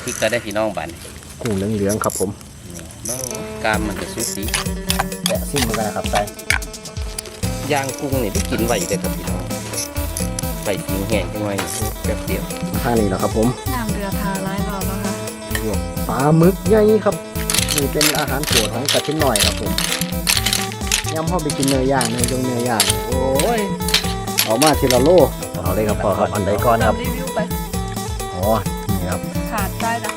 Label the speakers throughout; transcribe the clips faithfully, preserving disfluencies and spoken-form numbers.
Speaker 1: พริกก็ได้พี่น้องบ้าน
Speaker 2: กุ้งเหลืองๆครับผม
Speaker 1: กามมันจะสุดดี
Speaker 2: แกะซิ่มเหมือนกันนะครับใส่
Speaker 1: ย่างกุ้งนี่ได้กินไหวเลยครับพี่น้องไปทิ้งแห้งจังไว้แป๊บเดียว
Speaker 2: ท่านี้เหรอครับผม
Speaker 3: น้ำเรือทาร้ายเราแล้วค่ะ
Speaker 2: ปลาหมึกใหญ่ครับนี่เป็นอาหารโปรดของกระชิ้นหน่อยครับผมยำพ่อไปกินเนื้อย่างเนื้อยงเนื้อย่างโอ้ยเอามาทีละโลเอาเลยครับพ่อครับอันใดก่อนครับ
Speaker 3: รีวิวไป
Speaker 2: อ๋อนี่ครับ
Speaker 3: ขาดได้นะ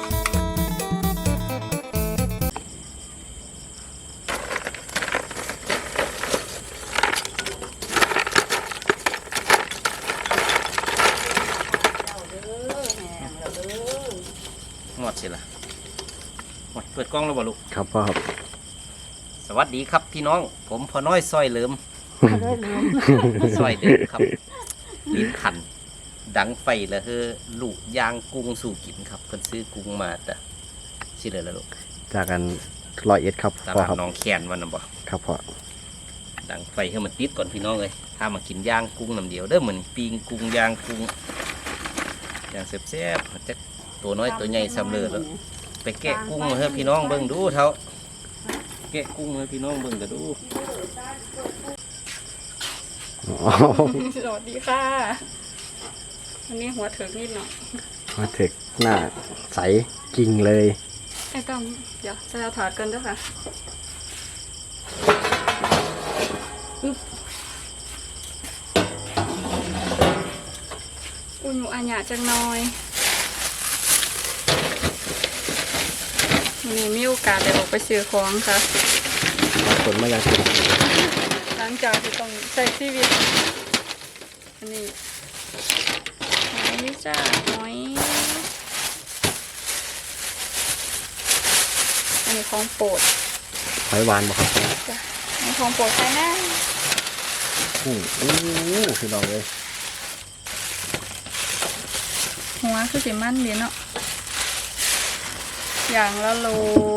Speaker 1: หมดสิล่ะหมดเปิดกล้องแล้วบ่ลูก
Speaker 2: ครับพ่อครับ
Speaker 1: สวัสดีครับพี่น้องผมพอน้อยซอยเหลิมซอยเด็กครับลิ้นขันดังไฟแล้วเฮ้อลูกยางกุ้งสู่กินครับเพิ่นซื้อกุ้งมาแต่สิเลยแล้วลูก
Speaker 2: จากกันรอยเอ็ดครับ
Speaker 1: ตลาดน้องแคนวันน่ะบ่
Speaker 2: ครับพ่อ
Speaker 1: ดังไฟให้มันติดก่อนพี่น้องเลยถ้ามากินย่างกุ้งน้ำเดียวเด้อเหมือนปิ้งกุ้งย่างกุ้งย่างแซ่บๆจะตัวน้อยตัวใหญ่ซ้ำเลยแล้วไปแกะกุ้งมาให้พี่น้องเบิ่งดูเท่าแกะกุ้งให้พี่น้องเบิ่งก็ดู
Speaker 3: สวัสดีค่ะวันนี้หัวเถิกนิดหน่อย
Speaker 2: หัวเถิกหน้าใสกิ่งเลย
Speaker 3: ไอ้ต้อมเดี๋ยวจะเอาถอดกันด้วยค่ะอุ่นอันหยาจังน้อยวันนี้มีโอกาสได้ออกไปซื้อของค่ะ
Speaker 2: ผลมาอย่าง
Speaker 3: หลังจากที่ต้องใช้ชีวิตอันนี้หอยนี่จ้าหอยอันนี้ของโปรด
Speaker 2: หอยหวานบ่ครับ
Speaker 3: จ้ะอันนี้ของโปรดใช่ไหม
Speaker 2: อืออู้คือลองเลย
Speaker 3: หัวคือสีมันดีเนาะอย่างละโล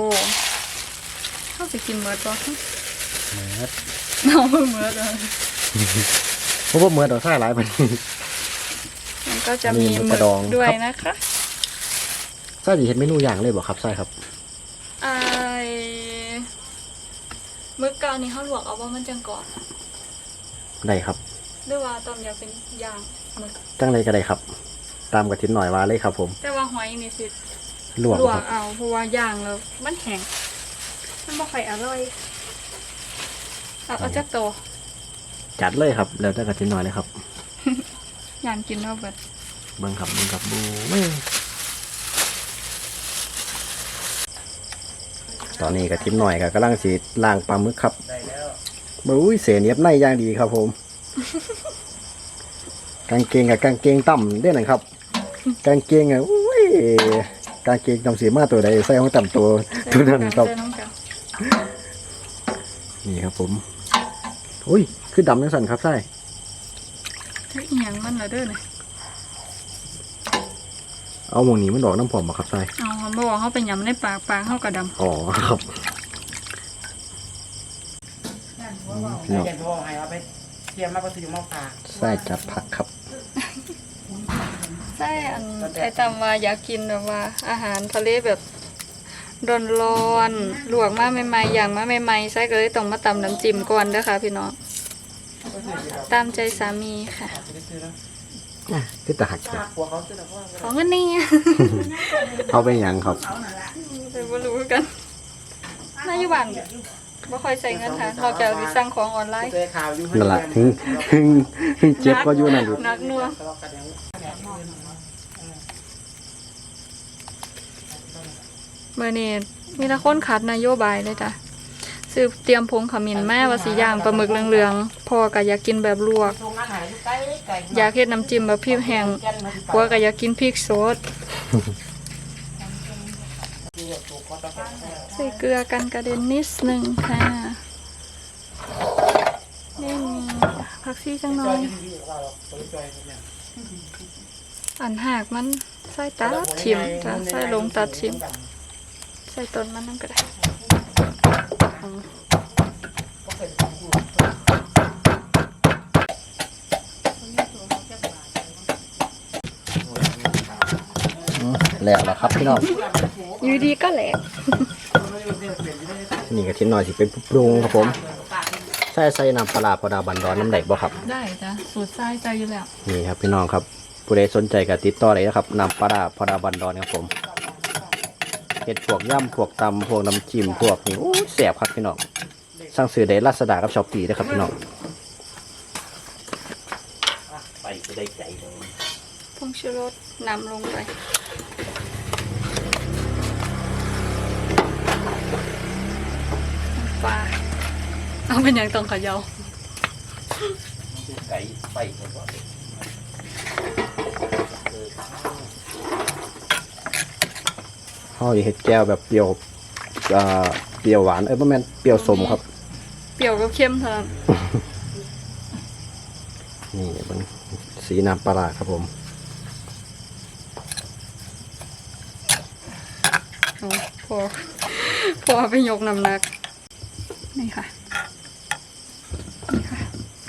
Speaker 3: เข้าไปกินเมิร์ดป่ะ
Speaker 2: เมิร์ด
Speaker 3: เอาเมิร์ดเลย
Speaker 2: เพราะว่าเมิร์ดเราใส่หลายไป
Speaker 3: มันก็จะมีหมึกด้วยนะคะ
Speaker 2: ใส่ดีเห็นเมนูอย่างเลยบอกครับใส่ครับ
Speaker 3: ไอ้หมึกเกานี่เขาลวกเอาว่ามันจังก่อน
Speaker 2: ได้ครับ
Speaker 3: หรือว่าตอนอยากเป็นย่างหมึก
Speaker 2: จังเลยก็ได้ครับตามกระถิ่นหน่อยว่าเลยครับผม
Speaker 3: แต่ว่าหอยนี่สิ
Speaker 2: ลวก
Speaker 3: เอาเพราะว่าย่างแล้วมันแห้งมันบ่ค่อยอร่อยเอาเอาจักโต
Speaker 2: จัดเลยครับแล้วแต่กระถิ่นหน่อยเลยครับ
Speaker 3: ย่างกินเท่าเบิด
Speaker 2: บังคับบังคับบูไม่ตอนนี้กระถิ่นหน่อยก็กำลังสีล่างปลาหมึกครับบุ้ยเสียเนียบในย่างดีครับผมกางเกงกับกางเกงต่ำได้หน่อยครับกางเกงอ่ะอุ้ยกางเกงจำสีมาตัวใดใส่ของต่ำตัวตัวนั้นครับนี่ครับผมอุ้ยคือดำจังสันครับใส่
Speaker 3: เฮ้ยยังมันละเด้อเนี่ย
Speaker 2: เอาหมองนี้มันดอกน้ำผอมมาครับใส่
Speaker 3: เอาเขาบอกเขาเป็นยำในปากปากเขากระดำ
Speaker 2: อ๋อครับใส่จับผักครับ
Speaker 3: ใช่อันไอตามว่าอยากกินแบบว่าอาหารทะเลแบบร้อนๆลวกมาใหม่ๆอย่างมาใหม่ๆใส่ก็เลยต้องมาตำน้ำจิ้มก่อนเด้อค่ะพี่น้องตามใจสามีค่ะ
Speaker 2: ที่ตาหัก
Speaker 3: ของเงินนี่
Speaker 2: เอาไปยังครับ
Speaker 3: ไปบ่รู้กันนายบ้านบ่ค่อยใส่เงินค่ะนอกจากสั่งของออนไลน์
Speaker 2: นั่นแหละถึงถึงถึงเจ็บก็อยู่นั่นอยู่
Speaker 3: นักนัวเมื่อนี้มีแต่คนขัดนโยบายเลยจ้ะซื้อเตรียมผงขมิ้นแม่ว่าสีย่างปลาหมึกเหลืองๆพ่อก็อยากกินแบบลวกอยากเฮ็ดน้ำจิ้มแบบพริกแห้งผัวก็อยากกินพริกสดใส่เกลือกันกระเด็นนิดนึงค่ะนี่มีผักชีจังหน่อยอันหากมันใส่ตัดชิมจ้ะใส่ลงตัดชิมใส่ต้นมันนั่นก็ได้
Speaker 2: แล้วล่ะครับพี่น้อง
Speaker 3: อยู่ดีก็แหลก
Speaker 2: นี่กระเทียมหน่อยสิเป็นปรุงครับผมใส่ใส่น้ำปลาร้าพอดาบันดอนน้ำแดกบ่ครับ
Speaker 3: ได้จ้ะสูตรไส้ใจอยู่แล้ว
Speaker 2: นี่ครับพี่น้องครับผู้ใดสนใจก็ติดต่อเลยนะครับน้ำปลาร้าพอดาบันดอนครับผมเห็ดพวกย่ำพวกตำพวกน้ำจิ้มพวกนี่โอ้ยแซ่บครับพี่น้องสั่งซื้อได้ลาซาด้ากับช้อปปี้นะครับพี่น้อง
Speaker 1: ไปจะได้ใจเลย
Speaker 3: ผงชูรสนำลงไปปลาเอาเป็นอย่างต้องเขย่า
Speaker 1: ไก่ไปหมดเลย
Speaker 2: ห่อเห็ดแก้วแบบเปรี้ยวอ่าเปรี้ยวหวานเอ้ยประมาณเปรี้ยวสมครับ
Speaker 3: เปรี้ยวกับเค็มเท่านั้น
Speaker 2: นี่เป็นสีน้ำปลาร้าครับผม
Speaker 3: โอ้พอพอไปยกน้ำหนักนี่ค่ะนี่ค่ะ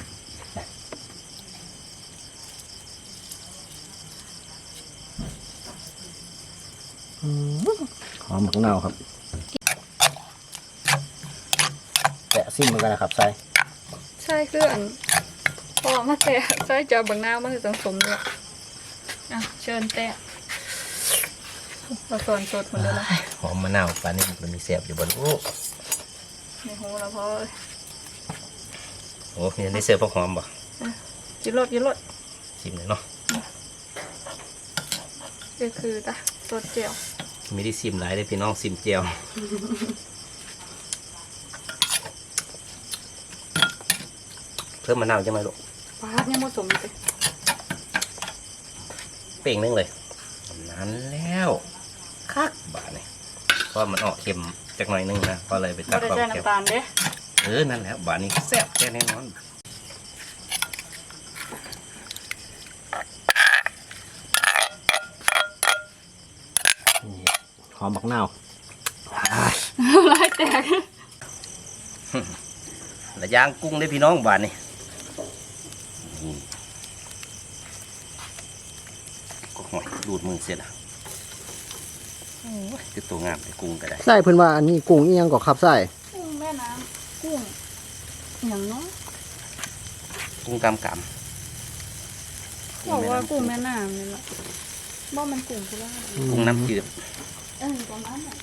Speaker 2: หอมของเน่าครับแตะซิมเหมือนกันนะครับใส่
Speaker 3: ใช่คืออันพอมาแตะใส่เจอบางหน้ามันจะต้องสมด้วยอ่ะเชิญแตะเราส่วนสดหมดเลยนะ
Speaker 1: หอมมะนาวปลานี่มันมีแซ่บอยู่บนโอ้
Speaker 3: ในหูเราพอเลย
Speaker 1: โหมีได้เสิร์ฟพวกหอมบ่
Speaker 3: กินรสกินรส
Speaker 1: ชิมเลยเนาะ
Speaker 3: ก็คือตะสดเจียว
Speaker 1: ไม่ได้ซิมหลายเลยพี่น้องซิมเจียวเพิ่มมะนาวจะไหมลูก
Speaker 3: ปลาเนี่ยผสมเลย
Speaker 1: เป่งนึงเลยนั้นแล้วคักบาทนี่เพราะมันออกเค็มจากหน่อยนึงนะก็เลยไปตั
Speaker 3: เรา
Speaker 1: ด
Speaker 3: ได้
Speaker 1: ความ
Speaker 3: ใส่
Speaker 1: เค็ม
Speaker 3: น้ำตาลเด้
Speaker 1: เออนั่นแหละบาทนี้แซ่บแค่แน่นอน
Speaker 2: นี่หอมบักเน่า
Speaker 3: ลายแตก
Speaker 1: และย่างกุ้งได้พี่น้องบาทนี่นี่ก็หอยดูดมือเสร็จละโอ้ยคือตัวงามแต่กุ้งก็ได้
Speaker 2: ใส่เพิ่นว่าอันนี้กุ้งอีหยังก็ครับใส่
Speaker 3: กุ้งแม่น้ำกุ้งอย่างเน้อย
Speaker 1: กุ้งกำกำ
Speaker 3: บอกว่ากุ้งแม่น้ำนี่แหละบ่มันกุ้งคือว่า
Speaker 1: กุ้งน้ำจืด
Speaker 3: เออประมาณนั้น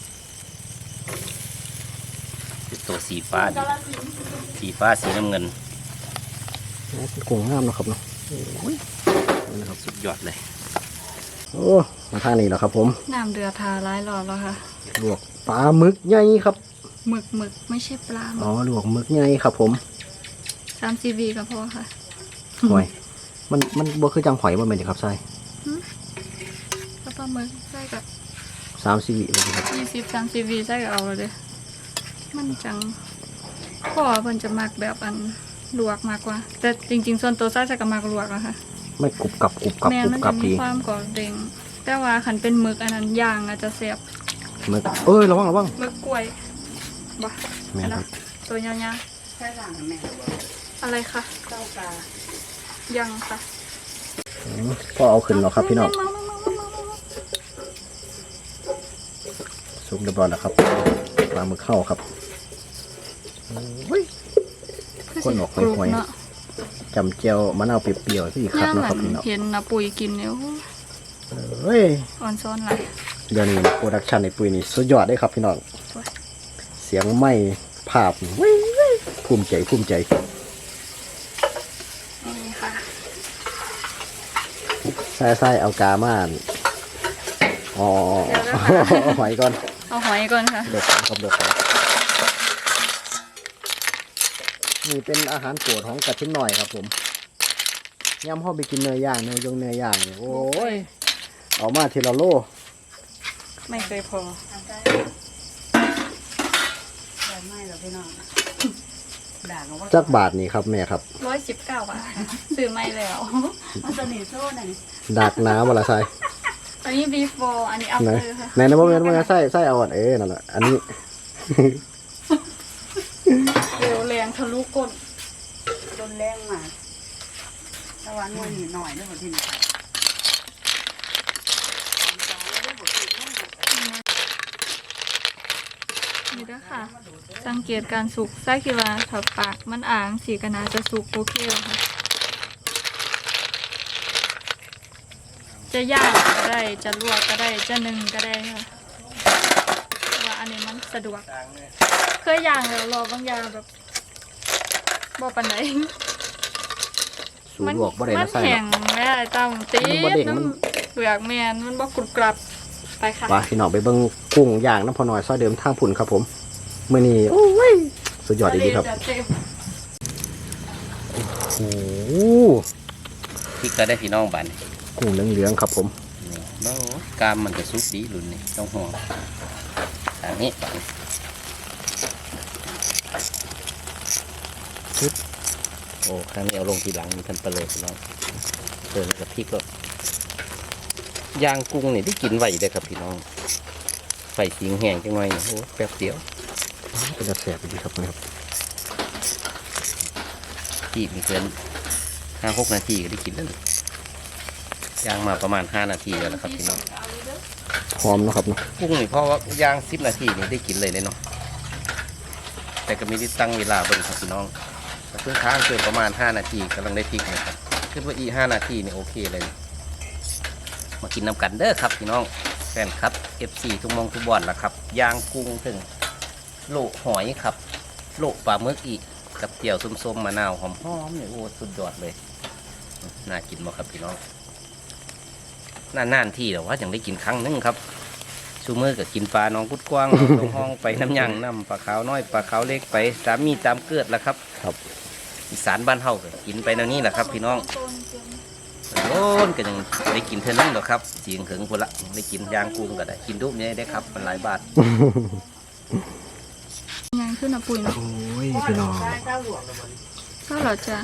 Speaker 1: คือตัวสีฟ้าดิ
Speaker 3: กาลสินธุ์
Speaker 1: สีฟ้าสีน้ำเงิน
Speaker 2: กุ้งงามเนาะครับเนาะ
Speaker 1: นะครับสุดยอดเลย
Speaker 2: โอ้มาทางนี้แล้วครับผม
Speaker 3: น้ำเดือดทาร้ายรอบแล้วค่ะ
Speaker 2: ลวกปลาหมึกใหญ่ครับ
Speaker 3: หมึกหมึกไม่ใช่ปลาหมึ
Speaker 2: อ๋อก ลวกหมึกใหญ่ครับผม
Speaker 3: สามซีบีก็พอค่ะ
Speaker 2: หอยมันมันบ่คือจังหอยบ่แม่นเด้ครับใส่
Speaker 3: ก็ปลาหมึกใส่กับ
Speaker 2: สามสิบวิเลยครับ
Speaker 3: ยี่สิบสามซีบีใส่กับเอาเลยเด้อมันจังพ่อเพิ่นจะมักแบบอันลวกมากกว่า แต่จริงๆส่วนตัวใส่จะกับมักลวกนะคะ
Speaker 2: ไม่กรุบกรับกรุบกรับ
Speaker 3: แม่
Speaker 2: กรุบ
Speaker 3: มัน
Speaker 2: กรั
Speaker 3: จะ
Speaker 2: บ
Speaker 3: มี
Speaker 2: ดี
Speaker 3: ความกรอบเด้งแต่ว่าขันเป็นหมึกอันนั้นย่างอาจจะเสียบ
Speaker 2: หมึกเอ้ยระวังระวัง
Speaker 3: หมึกกล้วยบ่
Speaker 2: แม่นครับ
Speaker 3: ตัวยาว
Speaker 4: ใช่หลังแม่
Speaker 3: ๆอะไรคะ
Speaker 4: เจ้ากา
Speaker 3: ยังค่ะ
Speaker 2: อืมพอเอาขึ้นแล้วครับพี่น้องสุกเรียบร้อยแล้วครับปลาหมึกเข้าครับโอ้ย คนออก
Speaker 3: กรุบ
Speaker 2: ห่วยๆ
Speaker 3: เนาะ
Speaker 2: จำเจียวมะนาวเปรี้ยวๆที่คัด
Speaker 3: ย่าง
Speaker 2: เนาะ
Speaker 3: ห
Speaker 2: ค
Speaker 3: ลั
Speaker 2: รับ
Speaker 3: ง
Speaker 2: พี่น้อง
Speaker 3: เห็นนะปุ๋ยกินเนี่ยโอ้
Speaker 2: เฮ้ย
Speaker 3: อ่อนซ้อนไหลาย
Speaker 2: เดี๋ยวนี้โปรดักชันในปุยนี่สุดยอดเลยครับพี่น้อง
Speaker 3: สวย
Speaker 2: เสียงไม่ภาพนี่เว้ยเว้ยภูมิใจภูมิใจ
Speaker 3: นี่ค่ะ
Speaker 2: ใส่ใส่เอากาม่านอ๋อหอยก่อน
Speaker 3: เอาหอยก่อนค่ะ
Speaker 2: เด็กของครับเด็กของนี่เป็นอาหารโปรดของกระชิ้นหน่อยครับผมย่ำห้อไปกินเนื้อย่างเนื้อยงเนื้อย่างเนี่ยโอ้ยเอามาทีละโล
Speaker 3: ไม่เคยพอ
Speaker 4: ใบไม้เหรอพี่น้องด่ากันว่า
Speaker 2: จักบาทนี่ครับแม่ครับ
Speaker 3: ร้อยสิบเก้าบาทซื้อไม่แล้ว
Speaker 4: มันสนิทโซ่หน่อย
Speaker 2: ดักน้ำวละใส่
Speaker 3: อันนี้ before อันนี้
Speaker 2: ไหน
Speaker 3: after ค่ะ
Speaker 2: ไหนนะพ่อแม่พ่อแม่ใส่ใส่เอาอ่ะเอ้นั่นแหละอันนี้
Speaker 3: เร็วแรงทะลุก้น
Speaker 4: โดนแรงมาตะวันวันนี้หน่อยด้วยที่นี่
Speaker 3: นี่เด้อค่ะ สังเกตการสุกไส้คิดว่าถ้าปากมันอ่างสีก็น่าจะสุกโอเคแล้วค่ะจะย่างก็ได้จะลวกก็ได้จะนึ่งก็ได้ค่ะเพราะว่าอันนี้มันสะดวกเคยย่างแล้วรอบางอย่างแบบบ่ปานใด
Speaker 2: สูลวกบ่ได้
Speaker 3: มั
Speaker 2: นะ
Speaker 3: น
Speaker 2: ไส้
Speaker 3: แข็ง
Speaker 2: เนาะ
Speaker 3: แม่ตามตี
Speaker 2: มันบ่เด้ง
Speaker 3: น้
Speaker 2: มัน
Speaker 3: ำเปลือกแมนมันบ่กรุบกรับไปค่ะ
Speaker 2: ว่าพี่น้องไปเบิ่งกุ้งย่างน้ำพอน้อยซอยเดิมทางพุ่นครับผมมื้อนี้โอ้ยสุดยอดดีครับ
Speaker 3: จะเต็ม
Speaker 2: โอ้โห
Speaker 1: พริกก็ได้พี่น้องบ้านนี่
Speaker 2: กุ้งเหลืองๆครับผม
Speaker 1: นี่เนาะกามมันจะสุกดีรุ่นนี้ต้องห่วงทางนี้บ้านโอ้ข้างนี้เอาลงทีหลังมีทันเปลือกพี่น้องเติมกับพริกก็ย่างกุ้งนี่ได้กินไหวได้ครับพี่น้องไฟสิงแห้งจังหน่อยนี่โอ้แป๊บเดียว
Speaker 2: เป็นจะแสบดีครับนะครับ
Speaker 1: ที่มีเกินห้าหกนาทีก็ได้กินแล้วนี่ย่างมาประมาณห้านาทีแล้วนะครับพี่น้อง
Speaker 2: หอมเนาะครับเนาะ
Speaker 1: กุ้งนี่เพราะว่าย่างสิบนาทีนี่ได้กินเลยเลยเนาะแต่ก็ไม่ได้ตั้งเวลาเบิ่งครับพี่น้องแต่เพิ่งค้างเกินประมาณห้านาทีกำลังได้พริกนะครับคิดว่าอีห้านาทีนี่โอเคเลย มากินน้ำกันเด้อครับพี่น้องแฟนครับ เอฟ ซี ทุกมองทุกบอลละครับย่างกุ้งถึงโลหอยครับโลปลาหมึกอีกกับเจียวส้มๆมะนาวหอมๆเนี่ยโอ้สุดยอดเลยน่ากินมากครับพี่น้องนานๆที่แต่ว่ายังได้กินครั้งหนึงครับชูมือกับกินปลาน้องกุดกว้าง น้องห้องไปน้ำยังน้ำปลาขาวน้อยปลาขาวเล็กไปตามมีตามเกิดละครับ
Speaker 2: ครับ
Speaker 1: อีสานบ้านเฮาก็กินไปแนวนี้แหละครับพี่น้องโดนก็ยังได้กินเท่านั้นหรอกครับเสียงถึงคนละได้กินย่างกุ้งก็ได้กินดุ๊บเนี่ยได้ครับมันหลายบาท
Speaker 3: ยังขึ้นอ่ะปุ๋ยเนาะ
Speaker 2: โอ้ยพี่น้อง
Speaker 3: ก็เหรอจ้ะ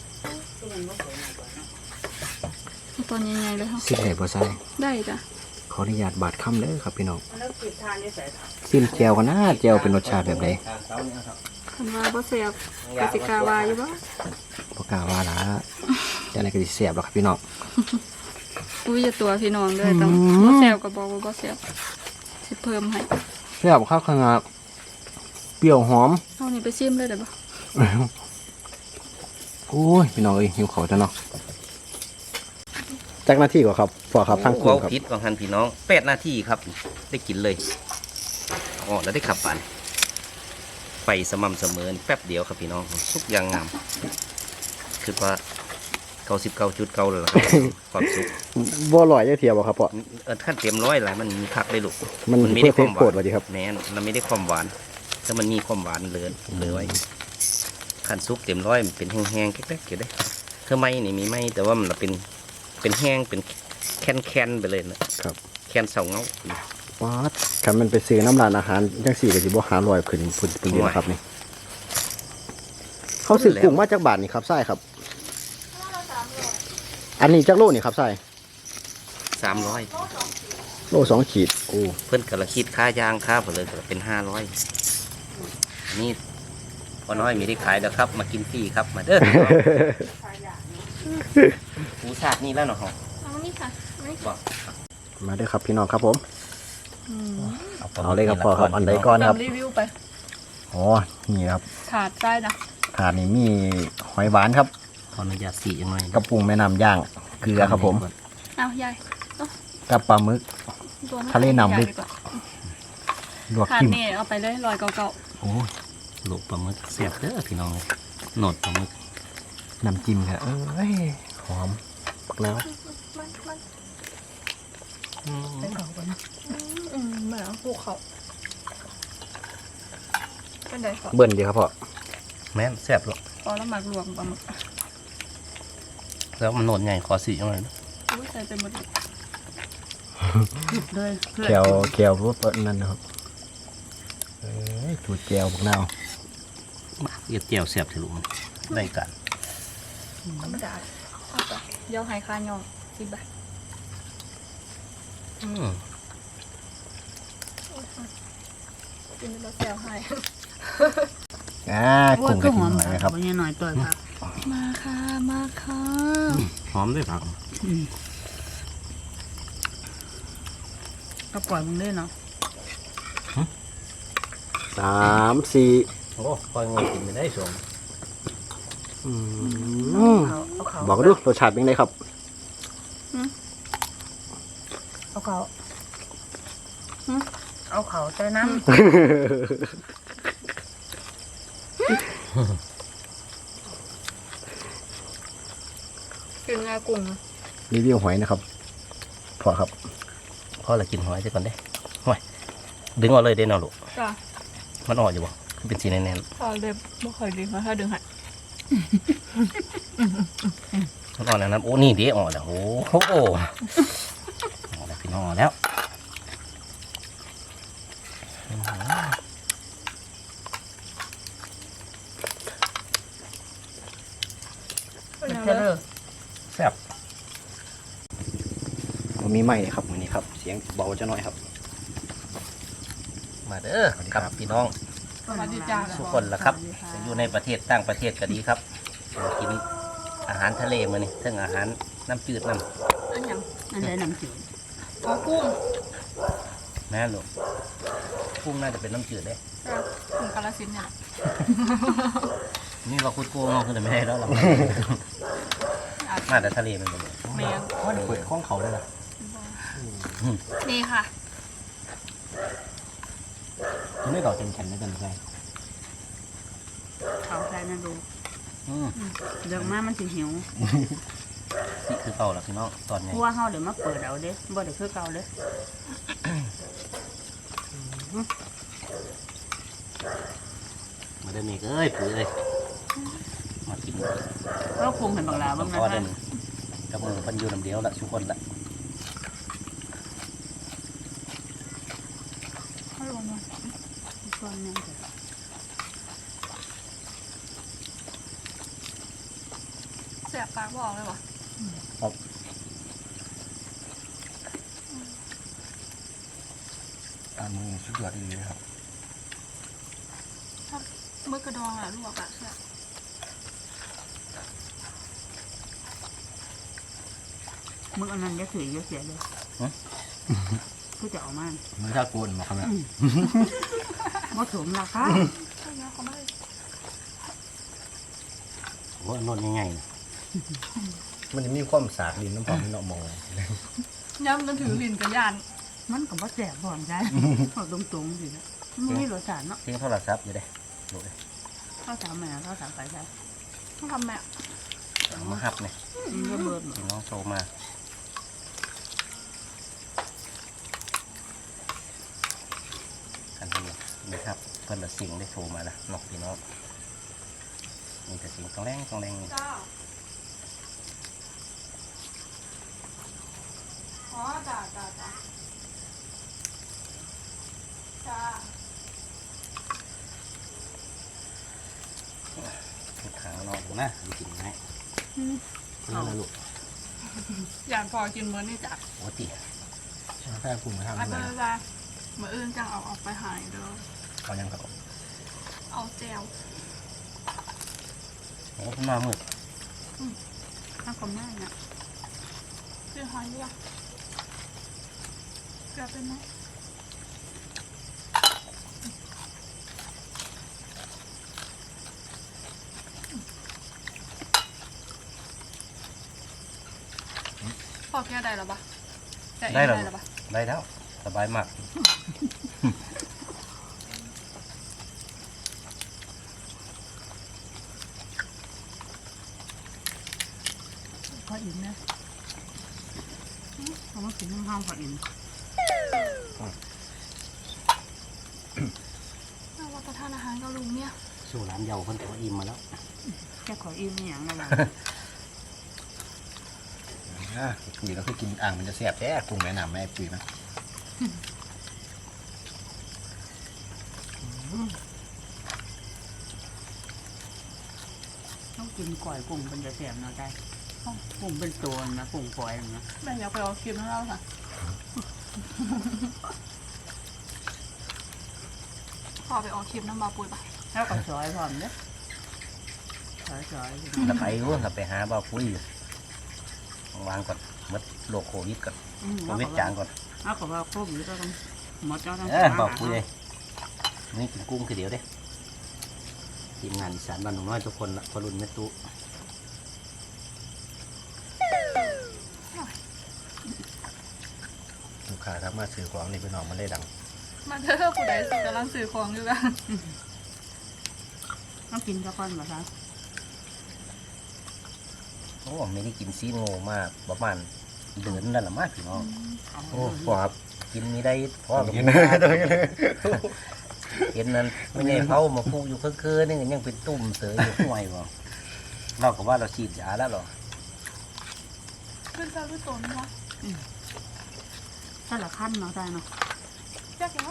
Speaker 3: ตอนยังไงเลยค่ะ
Speaker 2: สิได้บ่ใส่
Speaker 3: ได้จ้ะ
Speaker 2: ขออนุญาตบาดคำเด้อครับพี่น้อง
Speaker 4: แล้วปิดทานได้ใส่
Speaker 2: ซิมแจ่วกันนะแจ่วเป็นรสชาติแบบใด
Speaker 3: คันว่าบ่เสียบกสิกาวาอยู่บ่
Speaker 2: บ่กล้าว่าล่ะจังได๋ก็สิแซ่บหรอกครับพี่น้อง
Speaker 3: อุ้ยอย่าตัวพี่น้องเลยต้อง
Speaker 2: อืม
Speaker 3: บ่เสียบก็บอกว่าบ่เสียบสิเพิ่มให้
Speaker 2: แซ่บข้าวขนาดเปรี้ยวหอม
Speaker 3: เอานี่ไปชิมเลยได้บ่
Speaker 2: โอ้ยพี่น้องเอ้ยหิวข้าวจังเนาะจักหน้าที่กว่าครับพอครับทางกุ้
Speaker 1: เว้าง
Speaker 2: ครับ
Speaker 1: พิษของท่านพี่น้องแปดนาทีครับ ได้กินเลยอ๋อแล้วได้ขับปันไฟสม่ำเสมอแป๊บเดียวครับพี่น้องทุกอย่างงามคือว่าเก้าสิบเก้าจุดเก้าเลยล่ะครับ ความสุข
Speaker 2: บ่อร่อยจักเทียบ่ครับพ่อ
Speaker 1: เออขั้นเต็มร้อยหลายมันมีคักได้ลูก
Speaker 2: มัน
Speaker 1: ไม่
Speaker 2: เพื่
Speaker 1: ได้
Speaker 2: อ
Speaker 1: ค
Speaker 2: เท
Speaker 1: วา
Speaker 2: ส
Speaker 1: มห
Speaker 2: โปร
Speaker 1: วา
Speaker 2: ด
Speaker 1: น
Speaker 2: ว่าดีครับ
Speaker 1: แน่นมันไม่ได้ความหวานถ้ามันมีความหวานเหลือเหลือไว้ขั้นซุปเต็มร้อยมันเป็นแห้งๆแก๊กๆอยู่ได้เธอไม่นี่มีไม่แต่ว่ามันเป็นเป็นแห้งเป็นแคนๆไปเลยนะครับ แคนเสาเงา
Speaker 2: ป๊าดคันมันไปซื้อน้ำร้านอาหารจังสี่ก็สิบ่หาร้อยขึ้นพุ่นเป็นเดียวครับนี่เขาซื้อกุ้งมาจากบาทนี่ครับใช่ครับ อันนี้จักโลนี่ครับใช่
Speaker 1: สามร้อย
Speaker 2: โลสองขีดโอ้
Speaker 1: เพื่อนกระคิดค่ายางค่าผลเลยก็เป็นห้าร้อยนี่พอน้อยมีได้ขายแล้วครับ มากินฟรีครับมาเด้อหูชาตินี่แล้วเนาะ
Speaker 3: เอานี่ค่ะเอานี่
Speaker 1: บอก
Speaker 2: มาเด้อครับพี่น้องครับผม
Speaker 3: อืม
Speaker 2: เอาเลยครับพ่อครับอันใดก่อนครับ
Speaker 3: ทำรีวิวไป
Speaker 2: อ๋อนี่ครับ
Speaker 3: ขาดได้นะ
Speaker 2: ถาดนี้มีหอยหวานครับ
Speaker 1: ขออนุญาตสียังไง
Speaker 2: กระปุงแม่น้ำย่างเกลือครับผม
Speaker 3: เอายาย
Speaker 2: กับปลาหมึก
Speaker 3: ตัวไม่
Speaker 2: ทะเลหนำลึก
Speaker 3: ใหญ่ว่า
Speaker 2: ลวก
Speaker 3: ขาด
Speaker 2: จิ้ม
Speaker 3: นี่เอาไปเลยลอยเก่า
Speaker 1: โอ้ยหลบปลาหมึกเสียบเด้อพี่น้องโหนดปลาหมึก
Speaker 2: น้ำจิ้มครับเอ้ยหอมปักแล้ว
Speaker 3: ๆเป็นเขาก่อนนะอืมเหมือนภูเขาเป็นไดก่อน
Speaker 2: เบิ้ลดีครับพ่อ
Speaker 1: แม่นเสียบหรอก
Speaker 3: พอแล้วหมักรวมปลาหมึก
Speaker 1: แล้วมันโหนดใหญ่ขอสียังไง
Speaker 3: อุ้ยใส่เป็นหมดเลย
Speaker 2: แกวแกวรสนั่นนะครับเอ้ยจูดแกวบักนาว
Speaker 1: มาเอียดเจียวเสียบถือลุงได้กัน
Speaker 3: ธรรมดาเอาไปเดี๋ยวให้ค่ายองสิบบาท
Speaker 1: อืม
Speaker 3: กินแล้วแซวให้
Speaker 2: อ่ากุ้งกระถิ่นหน่อยนะครับ
Speaker 4: วันนี้หน่อยตัวครับ
Speaker 3: มาค่ะมาค่ะ
Speaker 1: หอมด้วยผัก
Speaker 4: ก็ปล่อยมึงได้เนาะ
Speaker 2: สามสี่
Speaker 1: โอ้คอยงอกินไม่ได้สม
Speaker 2: อืม
Speaker 4: เอาเอาเขา
Speaker 2: บอกดูรสชาติเป็นไงครับ
Speaker 4: เอาเขาหึเอาเขาใจน้
Speaker 3: กินงากุ้ง
Speaker 2: รีวิวหอยนะครับพอครับ
Speaker 1: พ่อละกินหอยซะก่อนเด้หอยดึงออกเลยเด้เนาะลูก
Speaker 3: จ้ะ
Speaker 1: มันออกอยู่บ่เป็นสีแน่น
Speaker 3: พอเลยไม่ค่อยดีมาถ้าดึงหัด
Speaker 1: ๆมันออกแล้วนะโอ้นี่เด้ออกแล้วโอ้โหออกแล้วพี่น้องออกแล้ว
Speaker 4: ำจะเลิก
Speaker 1: แซ่บ
Speaker 2: ผมมีไม้ครับวันนี้ครับ เสียงเบาจะน้อยครับ
Speaker 1: มาเด้อครับพี่น้อง
Speaker 3: สวัสดีจ้า
Speaker 1: ทุกคนละครับจะอยู่ในประเทศต่างประเทศก็ดีครับมากินอาหารทะเลมานี่ทั้งอาหารน้ำจืดน้
Speaker 3: อันยัง
Speaker 4: นั่นเลยน้ำจืด
Speaker 3: อ๋อกุ้ง
Speaker 1: ำแม่ลูกกุ้งน่าจะเป็นน้ำจืดเด้
Speaker 3: จ้ะกุ้งกาลสินธุ์เนี่ย
Speaker 1: นี่เราคุดกุ้งเราคือไม่ได้แล้วเรามาแต่ทะเลมันเป็น
Speaker 3: แมง
Speaker 2: ว่าเปิดข้องเขาได้ละ
Speaker 3: นี่ค่ะ
Speaker 2: ไม่ดอกเต็มแขนได้กันใช่
Speaker 4: เขาใจนั่นดู
Speaker 1: อืม
Speaker 4: เดี๋ยวมามันสิหิว
Speaker 1: นี่คือเก่าแล้วพี่น้องตอน
Speaker 4: เพ
Speaker 1: นี้
Speaker 4: ราะว่าเฮาเดี๋ยวมาเปิดเอาเด้บ่ได้คือเก่าเด้
Speaker 1: มาเดินนี่เอ้ยปุ๋ยเลยมากิน
Speaker 4: เราคงเห็นบักลา
Speaker 1: มั
Speaker 4: บ้าน ง
Speaker 1: พอ
Speaker 4: นะ
Speaker 1: เดิ
Speaker 4: คะ
Speaker 1: นกับมือพันอยูน้ำเดียวละทุกคนละ
Speaker 3: ฮัลโหลมา
Speaker 4: ส่วนนึง
Speaker 3: แสบปากบอกเลยวะ
Speaker 2: ตามมือสุดยอดดีเลยครับ
Speaker 3: มือกระดองอะลวกอะแซ่บ
Speaker 4: มึงอันนั้นจะถือเยอะเสียเลยคือจะเอามา
Speaker 2: มือถ้าโกนมาครับเนี่ย
Speaker 4: บ่สมราคา
Speaker 3: ใช่ไหมเขาไม่ได้
Speaker 1: โอ้ยนวดง่าย
Speaker 2: มันจะมีความสากดินน้ำพองที่เรามอง
Speaker 3: ย้ำมันถือลิ้นกับยาน
Speaker 4: มันก็บ่แสบบ่อนใจเอาตรงๆสิมันมีรสชาติเนาะ
Speaker 1: ๆเพียงโทรศัพท์อยู่เด้ดูเลย
Speaker 4: ข้าวสามแม่ข้าวสามไปใช่
Speaker 3: ต้องทำแม่
Speaker 1: เอามาหับเนี่ย
Speaker 4: มันก็เบิดหมด
Speaker 1: พี่น้องโทรมากันเป็นนี่ครับเพิ่นละสิ่งได้โทรมาละนอกพี่น้องมีแต่สิ่งต้องแรงต้องแรงนี่
Speaker 3: จ้าอ๋อจ้าจ้าจ้าจ้า
Speaker 1: ทุกครั้งนอกนะดูกินง่าย
Speaker 2: นี่นะลูก
Speaker 3: อยากพอกินมื้อนี่จ้ะ
Speaker 1: โอ้ติ
Speaker 2: แค่กลุ่มมาทำ
Speaker 3: อัน
Speaker 2: อะไร
Speaker 3: นั้นละมื้ออื่นจังเอาออกไปหายเด้อ
Speaker 2: เขายังครับ
Speaker 3: เอาแจว
Speaker 1: โอ้เพิ่นมามืด
Speaker 4: ข้าวกับแม่เนี่ย
Speaker 3: คือหอยด้วยเกลือเป็นไหมพอแก้ได้แล้วปะแก้เอง
Speaker 1: ได้แล้ว
Speaker 3: แล้วปะ
Speaker 1: ได้แล้วสบายมาก
Speaker 4: พออิ่มนะเอามากินน้ำห้าวพออิ่ม
Speaker 3: เราว่าประทานอาหารกับลุงเนี่ย
Speaker 1: สู้ร้านเยาเพิ่นก็อิ่มมาแล้ว
Speaker 4: แค่ขออิ่มนี่อย่างนั้นแหละ
Speaker 2: อ่ะปุ๋ยเราคือกินอ่างมันจะแสบแท้กลุ่มแนะนำแม่ปุ๋ยนะ
Speaker 4: ต้องกินก่อยกุ้งเป็นจะแสบเนาะใจกุ้งเป็นตัวนะกุ้งปล่อยนะ
Speaker 3: แม่อยากไปเอาคลิปให้เราค่ะพอไปเอาคลิปน้ำบาปุยปะ
Speaker 4: แล้วกับซอยพร้อมเด้ซอยซอย
Speaker 1: ถ้าไปรู้ถ้าไปหาบ่าวปุ้ยอยู่วางก่อนหมดโรคโควิดก่อนโควิดจางก่อน
Speaker 4: เอากับว่าครบหรือก็ต้องหมดเจ้าต้อง
Speaker 1: เออบ่าวปุ้ยเลยนี่กินกุ้งคือเดียวเด้ทีมงานอีสานบ้านหนุ่มน้อยทุกคนละพอรุ่นแม่ตู้
Speaker 2: ลูกค้าถ้ามาซื้อของนี่พี่น้องมันได้ดัง
Speaker 3: มาเถอะผู้ใดสิกำลังซื้อของอยู่กัน
Speaker 4: ต้องกินตะกอนบ่คะ
Speaker 1: โอ้ไม่ได้กินซีโง่มากประมาณเดือนนั่นแหละมากพี่น้องโอ้พอครับกินไม่ได้พ่อกับแม่เห็นนั้นไม่ใช่เผามาพูอยู่เคื่อๆนี่ยังเป็นตุ่มเสืออยู่ห่วยบ่เราก็ว่าเราฉีดยาแล้วหรอ
Speaker 3: ขึ้นตาขึ้นตนวะ
Speaker 4: ถ้าละขั้นเนาะได้เนาะ
Speaker 3: จักแล้ว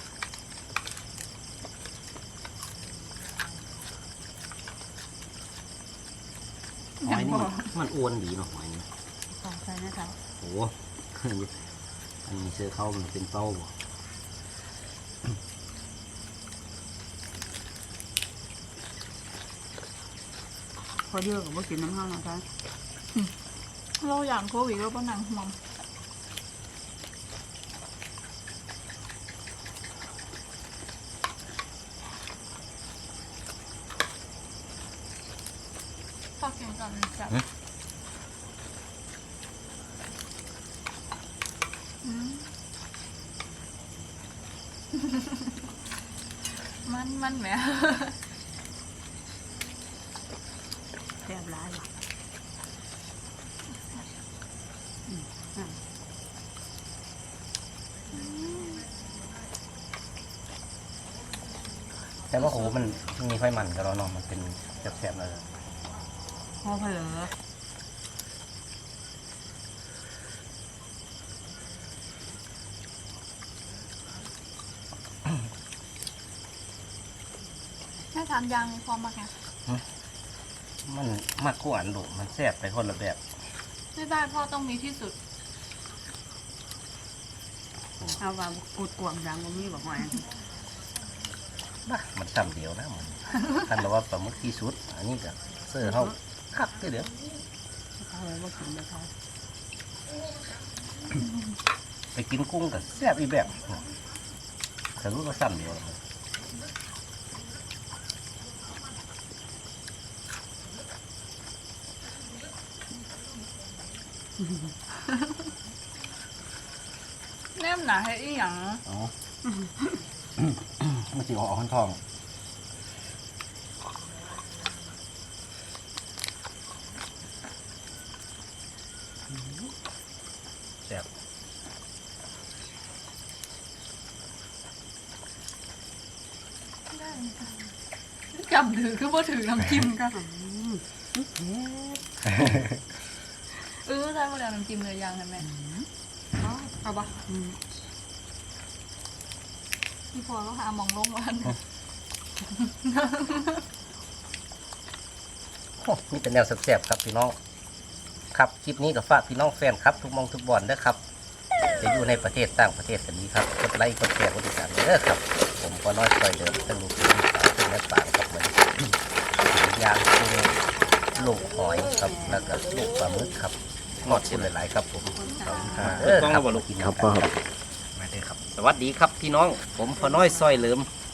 Speaker 1: หอยนี่มันมันอ้วนดีเนาะหอยนี่
Speaker 4: ขอใส่นะคะ
Speaker 1: โอ้อันนี้เสื้อเข้ามันเป็นเป้าบ่
Speaker 4: พอเดียวกับว่ากินน้ำห้างนะคะ
Speaker 3: เราอย่างโควิดเราก็หนังห่วงฝากเสียงก่อนจับอืม มันมันแหม
Speaker 4: แซ่บร้ายว่ะ
Speaker 1: แต่ว่าโหมันมีไฟมันกับเราเนาะมันเป็นแสบๆเลย
Speaker 4: พอเผลอ
Speaker 3: แค่ทานยางพอมากไง
Speaker 1: มันมากกว่าอันดุมันแสบไปคนละแบบ
Speaker 3: ไม่ได้พ่อต้องมีที่สุด
Speaker 4: เอาว่าอุดกวางดังบ่มีบอกว่า
Speaker 1: บ้ามันซ้ำเดียวนะมันท่านบอกว่าปลาหมึกที่สุด อันนี้ก็เสื้อเขาคักเดี๋ยว
Speaker 4: เอาไว้ว่ากินนะคะ
Speaker 1: ไปกินกุ้งกับแซ่บอีกแบบสรุปว่าซ้ำเดียว
Speaker 3: แนมหนาให้อีหยัง
Speaker 2: อ๋อมันสิออกข้างทอง
Speaker 1: แซ่บ
Speaker 3: จำถือคือพอถือน้ำจิ้มกันเออใช่พอแล้วน้ำจิ้มเลยยังเห็นไหมอ๋อเอาปะพี่พอก็หาหมองลงวัน
Speaker 1: โอ้มีแต่แนวแซ่บๆครับพี่น้องครับคลิปนี้ก็ฝากพี่น้องแฟนครับทุกมองทุกบอลเด้อครับจะอยู่ในประเทศต่างประเทศกันนี้ครับกดไลค์กดแชร์กดติดตามเด้อครับผมก็น้อยคอยเดิมตั้งลูกที่สาวเป็นแม่ปางครับเหมือนยางกุ้งลูกหอยครับแล้วก็ลูกปลาหมึกครับงอดชิ้นหลายๆครับผมเออครับกิน
Speaker 2: ครับพ่อครับ
Speaker 1: มาเด้อครับสวัสดีครับพี่น้องผมพอน้อยซอยเหลิม